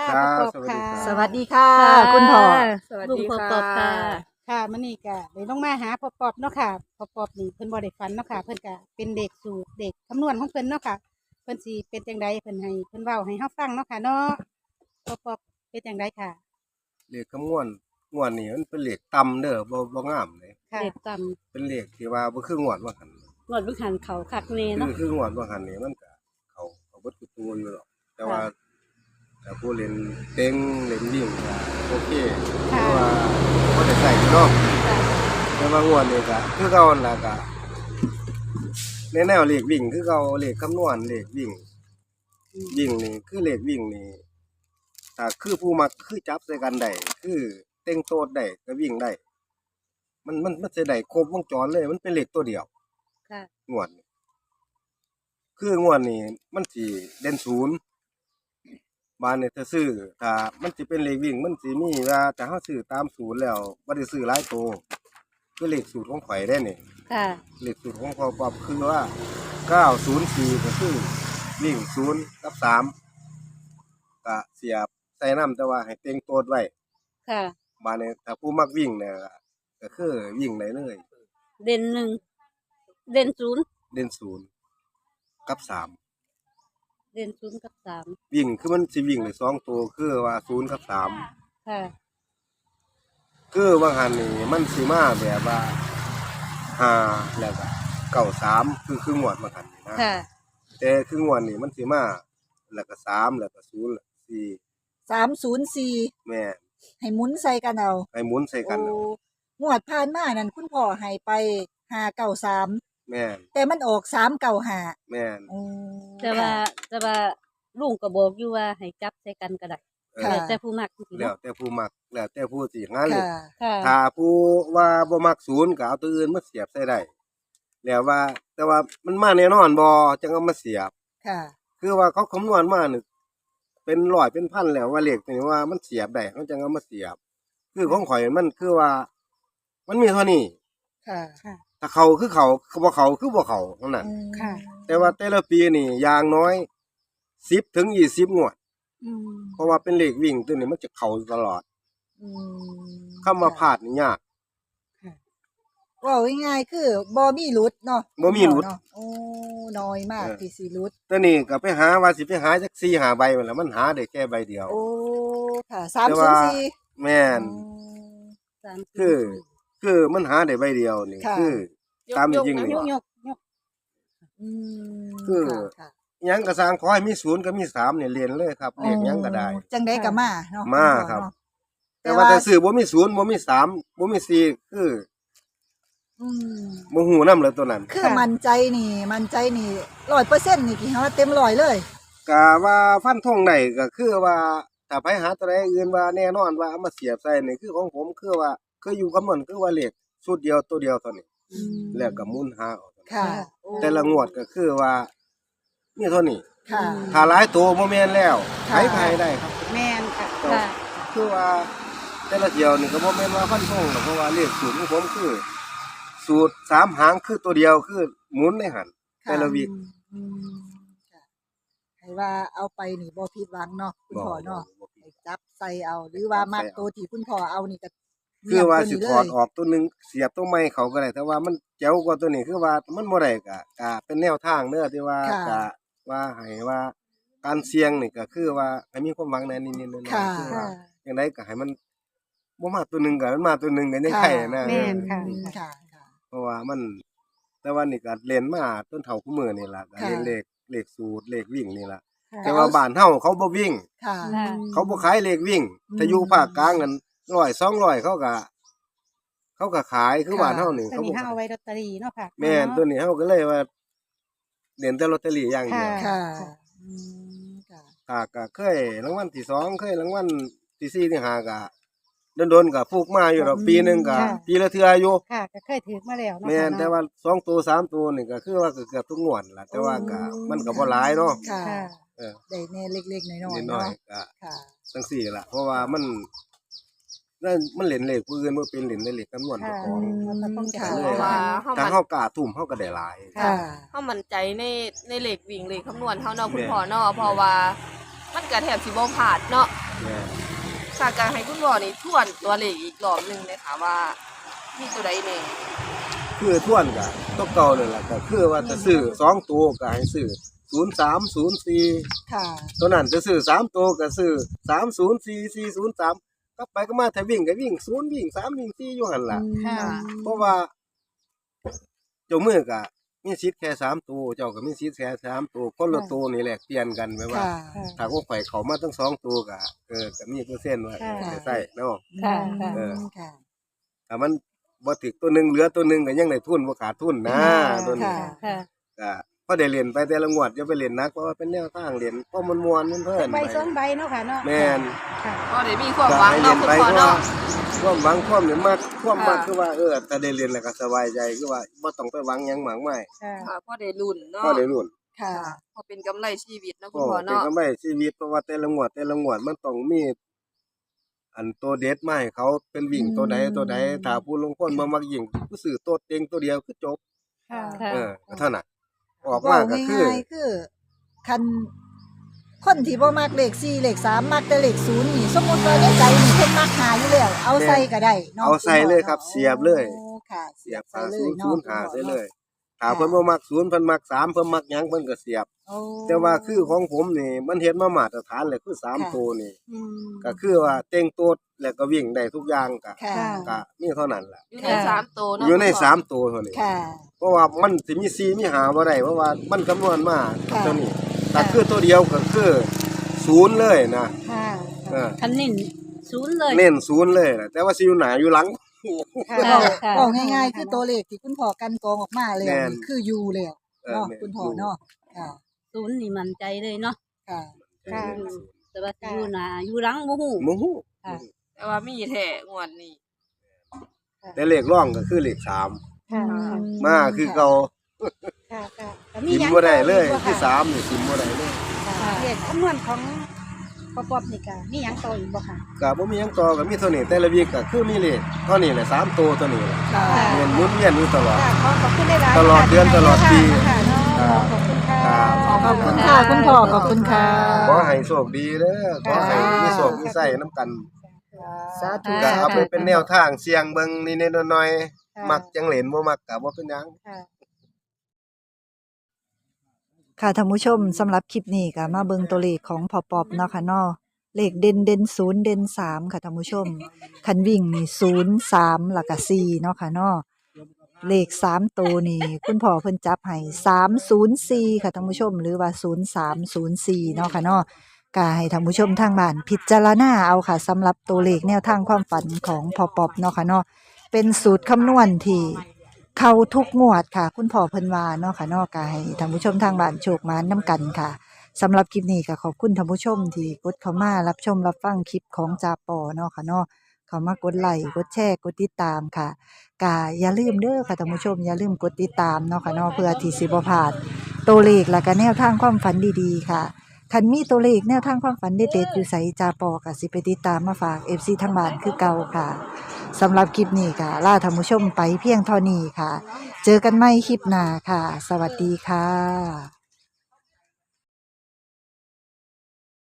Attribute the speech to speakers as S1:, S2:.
S1: ครับ
S2: พ่อปอบค่ะ
S3: สวัสดีค่ะ คุณพ่อ
S1: สวัส
S2: ลุง
S1: ดี
S2: พ่อ
S1: ค่ะ
S2: ปอบค่ะ
S3: ค่ะมื้อนี้ก็ได้ลงมาหาพ่อปอบเนาะค่ะพ่อปอบนี่เพิ่นบ่ได้ฝันเนาะค่ะเพิ่นก็เป็นเด็กสูตรเด็กคำนวณของเพิ่นเนาะค่ะเพิ่นสิเป็นจังไดเพิ่นให้เพิ่นเว้าให้เฮาฟังเนาะค่ะเนาะพ่อปอบเป็นจังไดค่ะ
S1: เลขคำนวณงวดนี้มันเป็นเลขต่ำเด้อบ่งามเลย
S3: ค่ะ
S2: เด็กต่
S1: เป็นเลขที่ว่าบ่คืองวดว่าหั่น
S2: ำงวดวิหันเขาคักเน
S1: คื
S2: เนาะ
S1: คืองวดว่าหั่นนี่มันก็เขาเบิดทุกตัวอยู่หรอกแต่ว่าถ้าผู้เล่นเต็งเล่นวิ่งก็โอเคเพ
S3: ค่ะ
S1: ราะว่าบ่ได้ใส่เนาะ
S3: ค่ะ
S1: แต่ว่างวดนี้ก็คือเก่านั่นล่ะก็ในแนวเลขวิ่งคือเก่าเลขคำนวณเลขวิ่งวิ่งนี่คือเลขวิ่งนี่ถ้าคือผู้มักคือจับใส่กันได้คือเต็งโตดได้ก็วิ่งได้ มันจะได้ครบวงจรเลย มันเป็นเลขตัวเดียว
S2: ค่ะ
S1: งวดนี้คืองวดนี้มันสิเด่นศูนย์บานเนี่ยถ้าซื้อถ้ามันสิเป็นเลขวิ่งมันสิมีว่าถ้าเฮาซื้อตามศูนย์แล้วบ่ได้ซื้อหลายตัวคือเลขสูตรของข่อยได้นี่
S2: ค่ะ
S1: เลขสูตรของพ่อปอบคือว่า904ก็คือวิ่ง0กับ3ก็เสียบใส่น้ำแต่ว่าให้เต็งโตดไว้
S2: ค่ะ
S1: บานนี้ถ้าผู้มักวิ่งเนี่ยก็คือวิ่งได้เลย
S2: เด่นหนึ่งเด่นศูนย์
S1: เด่น0กับ3
S2: เด่นศูนย์กับสาม
S1: วิ่งคือมันสิวิ่งได้2ตัวคือว่า0กับ3
S2: ค่ะ
S1: คือว่าหันนี่มันสิมาแบบว่า5แล้วก็93คืองวดว่าหันนี่นะ
S2: ค่ะ
S1: แต่คืองวดนี่มันสิมาแล้วก็3แล้วก็0แล้วก็4
S3: 304
S1: แม่น
S3: ให้หมุนใส่กันเอา
S1: ให้หมุนใส่กันเอา
S3: งวดผ่านมานั่นคุณพ่อให้ไป593
S1: แม่น
S3: แต่มันออก395
S1: แม่น
S2: แต่ว่าลุงก็บอกอยู่ว่าให้จับใส่กันก็ได้
S3: ค่ะ
S2: แล้วแต่ผู้มักจริงๆ
S1: แล้ว
S2: เนาะ
S1: แต่ผู้มักแล้วแต่ผู้สิหาเลข
S3: ค่ะ
S2: ค่ะ
S1: ถ้าผู้ว่าบ่มัก0ก็เอาตัวอื่นมาเสียบใส่ได้แล้วว่าแต่ว่ามันมาแน่นอนบ่จังเอามาเสียบ
S3: ค่ะ
S1: คือว่าเขาคำนวณมานี่เป็นร้อยเป็นพันแล้วว่าเลขนี่ว่ามันเสียบได้เขาจังเอามาเสียบ คือของข่อยมันคือว่า มันมีเท่านี้
S3: ค่ะ
S1: ถ้าเขาคือเขาบ่เขาคือบ่เขาเท่านั้น
S3: ค่ะ
S1: แต่ว่าแต่ละปีนี่อย่างน้อย10 ถึง 20 งวด เพราะว่าเป็นเลขวิ่งตัวนี้มันจะเข้าตลอดคำว่าพลาดนี่ยาก
S3: ว่าง่ายๆคือบ่มีหลุดเนาะ
S1: บ่มีหลุด
S3: เนาะโอ้น้อยมากที่สิหลุด
S1: ตัวนี้ก็ไปหาว่าสิไปหาจัก4 5ใบนั่นแหละมันหาได้แค่ใบเดียว
S3: โอ้ค่ะ
S1: แต่ว่า
S3: 304
S1: แม่น
S2: สาม
S1: คือมันหาได้ใบเดียวนี่
S3: ค่ะ
S1: คือตามจริงนี่
S3: ยกอืม
S1: คือ
S3: ค่ะ
S1: หยังก็สร้างขอให้มี0กับมี3นี่เรียนเลยครับเลขหยังก็ได้
S3: จังได๋ก็มาเนาะ
S1: มาครับ
S3: เนาะ
S1: แต่ว่าถ้าซื้อบ่มี0บ่มี3บ่มี4คือ
S3: อืม
S1: บ่ฮู้นำเลยตัวนั้น
S3: คือมั่นใจนี่ 100%นี่กี่ฮะเต็ม100เลย
S1: ก็ว่าฟันธงได้ก็คือว่าถ้าไปหาตัวใดอื่นว่าแน่นอนว่าเอามาเสียบใส่นี่คือของผมคือว่าคืออยู่กับมันคือว่าเลขชุดเดียวตัวเดียวเท่านี้แล้วก็หมุนหาเอาเท่านั้น
S3: ค่ะ
S1: แต่ละงวดก็คือว่ามีเท่านี้
S3: ค่ะ
S1: ถ้าหลายตัวบ่แม่นแล้ว
S3: ค่ะ
S1: ไผได้ครับ
S3: แม่นค่ะ
S2: ค่ะ
S1: คือว่าแต่ละเที่ยวนี่ก็บ่แม่นว่าฟันธงหรอกเพราะว่าเลขสูตรของผมคือ สูตร3หางคือตัวเดียวคือหมุนในหันแต่ละวิ
S3: อืมค่ะให้ว่าเอาไปนี่บ่ผิดหวังเนาะคุณพ่อเนาะให้จับใส่เอา หรือว่ามักตัวที่คุณพ่อเอานี่ก็
S1: คือว่าสิ
S3: เยี่ยม
S1: ถอด
S3: ตัวนี้เลย
S1: ออกตัวหนึงเสียบตัวใหม่เขาก็ได้แต่ว่ามันเจ๋วกว่าตัวนี้คือว่ามันบ่ได้ก็เป็นแนวทางเด้อที่ว่า
S3: ค่ะ
S1: ก็ว่าให้ว่าการเสี่ยงนี่ก็คือว่าให้มีความหวังในนิดๆหน่อย
S3: ค่ะ
S1: ๆคือว่าจังไดก็ให้มันบ่มาตัวหนึงก็มันมาตัวหนึงก็ยังไข่นะ
S3: แม่นค่ะ
S1: อืม
S3: ค่ะ
S1: เพราะว่ามัน แต่ว่านี่ก็เรียนมาจนเฒ่าคุมื้อนี่ล่ะก็
S3: ค่ะ
S1: เรียนเลขสูตรเลขวิ่งนี่ล่ะ
S3: ค่ะ
S1: แต่ว่าบ้านเฮาเขาบ่วิ่ง
S3: ค่ะ
S2: ค่ะ
S1: เขาบ่ขายเลขวิ่งถ้าอยู่ภาคกลางนั่น100 200เขาก็ขายคือบ้านเฮานี่
S3: ตัว
S1: เขา
S3: นี้
S1: บ่
S3: เฮา
S1: ขา
S3: เอา
S1: ย
S3: ไว้ลอตเตอรี่เนาะค่ะ
S1: แม่นตัวนี้เฮาก็เลยว่าเล่นแต่ลอตเตอรี่อย่างเดียว
S3: ค่ะอืมค่ะ
S1: ก็เคยรางวัลที่2เคยรางวัลที่4ที่5ก็โดนๆก็ฟูกมาอยู่ดอกปีหนึงก็ปีละเทื่ออยู่
S3: ค่ะก็เคยถือมาแล้วเนาะ
S1: แม่น
S3: ค่ะ
S1: แต่ว่า2ตัว3ตัวนี่ก็คือว่าก็เกือบทุกงวดล่ะแต่ว่าก็มันก็บ่หลายเนาะ
S3: ค่ะค่ะ
S1: เออ
S3: ได้แน่เล็กๆน้อย
S1: นิด
S3: ๆ
S1: หน่อ
S3: เนาะ
S1: ยก็
S3: ค่ะ
S1: จังซี่ล่ะเพราะว่ามันนั่นมันเล่นเลขผู้อื่นบ่เป็นเล่นในเลขคำนวณเจ้า
S3: ค่ะ
S1: ของ
S3: มันก็ต้องจ่าย
S1: เลย
S4: เพราะว่าเฮา
S1: ถ้า
S4: มัน
S1: เฮากล้าทุ่มเฮาก็ได้หลาย
S3: ค่ะ
S4: เฮามั่นใจในเลขวิ่งเลขคำนวณเฮาเนาะคุณ
S1: แม่น
S4: พ่อเนาะเพราะว่ามันก็แทบสิบ่พลาดเนาะ
S1: แม่น
S4: สากการให้คุณพ่อนี่ทวนตัวเลขอีกรอบหนึงเลยค่ะว่ามีตัวใดแน่
S1: คือทวนก็ตัวเก่านั่นแหละก็คือว่าจะซื้อ2ตัวก็ให้ซื้อ0304
S5: ค่ะ
S1: ตัวนั้นจะซื้อ3ตัวก็ซื้อ304403กลับไปก็มาถ้าวิ่งก็วิ่ง0วิ่ง3วิ่ง4อยู่หั่นล่ะ
S3: ค่ะ
S1: เพราะว่าเจ้ามือก็มีสิทธิ์แค่3ตัวเจ้าก็มีสิทธิ์แค่3ตัวคนละตัวนี่แหละเปลี่ยนกันแม่ว่า
S5: ค่ะ
S1: ถ้าของข่อยเขามาทั้ง2ตัวก็ก็มีเปอร์เซ็นต์ว่าจะใส่เนาะ
S2: ค่ะค่ะ
S5: ค่ะ
S1: ถ้ามันบ่ถึกตัวหนึงเหลือตัวหนึงก็ยังได้ทุนบ่ขาดทุนนะตัวนี้
S5: ค่ะ
S2: ค่ะ
S1: ก็พอได้เล่นไปแต่ละงวดอย่าไปเล่นหนักเพราะว่าเป็นแนวทางเล่นเพราะมันม่วนมันเพลิน
S3: ใบสองใบเนาะค่ะเนาะ
S1: แม่น
S3: ค่ะ
S4: ก็ได้มีความหวังเนาะคุณพ่อเนาะ
S1: ความหวังความเนี่ยมากความมาก
S4: ค่ะ
S1: คือว่าถ้าได้เรียนแล้วก็สบายใจคือว่าบ่ต้องไปหวังหยังมากมาย
S3: ค่ะ
S4: ค่ะพอได้ลุ้นเนาะ
S1: พอได้รุ่น
S5: ค่ะ
S4: พอเป็นกำไรชีวิตเนาะคุ
S1: ก็
S4: ณพ่อ
S1: เป็น
S4: เนาะ
S1: กำไรชีวิตเพราะว่าแต่ละงวดมันต้องมีอันตัวเด็ดมาให้เขาเป็นวิ่งตัวใดถ้าผู้ลงคนบ่มักยิงผู้ซื้อตัวเต็งตัวเดียวคือจบ
S3: ค่ะ
S2: ค่ะ
S1: ก็เท่านั้นออกมา
S5: เว้า
S1: ก็คือ
S5: ง่ายๆคือคันคนที่บ่มักเลข4เลข3มักแต่เลข0นี่สมมุติว่าในใจนี่เพิ่นมักหาอยู่แล้ว เอาใส่ก็ได้เนาะ
S1: เอาใส่เลยครับ
S5: ณพ่อ
S1: เสียบเลย
S5: โอ้ค่ะ
S1: เสียบ
S5: ใส่
S1: หา
S5: เล
S1: ศู
S5: ย
S1: นย์
S5: เนาะ
S1: ศูนย์หาใส่เลยถ้าเพิ่นบ่มัก0เพิ่นมัก3เพิ่นมักหยังเพิ่นก็เสียบ
S5: โอ้
S1: แต่ว่าคือของผมนี่มันเฮ็ดมามาตรฐานเลยคือ3ตัวนี่
S3: อืม
S1: ก็คือว่าเต็งโตดแล้วก็วิ่งได้ทุกอย่างก็
S5: ค่ะ
S1: ก็มีเท่านั้นล่ะ
S4: อยู่ในสามตัวเนาะ
S1: อยู่ใน
S4: คุณพ่
S1: 3ตัวเท่านี้
S5: ค่ะ
S1: เพราะว่ามันสิมี4มี5บ่ได้เพราะว่ามันคำนวณมา
S5: ค่ะ
S1: เท่านี้แต่คือตัวเดียวก็คือ0เลยนะ
S3: ค่ะ
S1: เออ
S2: คันนิ่นศูนย์เลย
S1: เน้น0เลยนะแต่ว่าสิอยู่หน้าอยู่หลัง
S3: ค่ะ
S2: ค่ะค่ะ
S5: บอกง่ายๆ คือตัวเลขที่คุณพ่อกันกองออกมาแล้ว
S1: แม่น
S5: นี่คืออยู่แล้วเนาะ
S1: แม่น
S5: คุณพ่อเนาะค่ะ
S2: ศูนย์นี่มั่นใจเลยเนาะ
S5: ค่ะ
S3: ค่ะ
S2: แต่ว่าสิอยู่หน้าอยู่หลังบ่ฮู้
S1: หมูฮู้
S2: ค่ะ
S4: แต่ว่ามีแท้งวดนี้
S1: แต่เลขร่องก็คือเลข
S3: ค่ะ
S1: 3มาคือเก่า
S3: ค่ะค่ะแล้ว
S1: กิน
S3: หง
S1: บ่ได้เลย
S3: ต่
S1: คือ
S3: ค่ะ
S1: 3นี่กินบ่ได้เลย
S3: ค่ะเลขคำนวณของปปนี่ก็มีหยังต่ออีกบ่ค่ะ
S1: ก็บ่มีหยังต่อก็มีเท่านี้แต่ละวีคก็คือมีเลขเท่านี้แหละ3ตัวเท่านี้แหละ
S5: ค่ะ
S1: เวียนหมุนเวียนอยู่ตลอด
S3: ค่ะขอบคุณได้หลาย
S1: ตลอดเดือนตลอดปี
S3: ค่ะเนาะ
S1: ครับ
S3: ขอบคุณค่ะ
S1: ครับ
S5: ขอบคุณค่ะคุณพ่อขอบคุณค่ะ
S1: ขอให้โชคดีเด้อขอให้มีโชคมีไส้น้ำกัน
S5: สาธุ
S2: ค่ะ
S1: ก็เอาไปเป็นแนวทางเสี่ยงเบิ่งนิดๆหน่อย
S3: ค่ะ
S1: ๆมักจังเหลนบ่มักก็บ่เป็นหยัง
S3: ค่ะ
S5: ค่ะท่านผู้ชมสำหรับคลิปนี้ก็มาเบิ่งตัวเลขของพอปอบเนาะค่ะเนาะเลขเด่น0เด่น3ค่ะท่านผู้ชมคันวิ่งนี่0 3แล้วก็4เนาะค่ะเนาะเลข3ตัวนี่คุณพ่อเพิ่นจับให้304ค่ะท่านผู้ชมหรือว่า0304เนาะค่ะเนาะก็ให้ท่านผู้ชมทางบ้านพิจารณาเอาค่ะสำหรับตัวเลขแนวทางความฝันของพอปอบเนาะค่ะเนาะเป็นสูตรคำนวณที่ เข้าทุกงวดค่ะ คุณพ่อเพิ่นว่าเนาะค่ะเนาะก็ให้ท่านผู้ชมทางบ้านโชคมานํกันค่ะสำหรับคลิปนี้ก็ขอบคุณท่านผู้ชมที่กดเข้ามารับชมรับฟังคลิปของจาปอเนาะค่ะเนาะเข้ามากดไลค์กดแชร์กดติดตามค่ะก็อย่าลืมเด้อค่ะท่านผู้ชมอย่าลืมกดติดตามเนาะค่ะเนาะเพื่อที่สิบ่พลาดตัวเลขและก็แนวทางความฝันดีๆค่ะคันมีตัวเลขแนวทางความฝันเด็ดๆอยู่ไสจาปอก็สิไปติดตามมาฝาก FC ทางบ้านคือเก่าค่ะสำหรับคลิปนี้ค่ะลาท่านผู้ชมไปเพียงเท่านี้ค่ะ เจอกันใหม่คลิปหน้าค่ะ สวัสดีค่ะ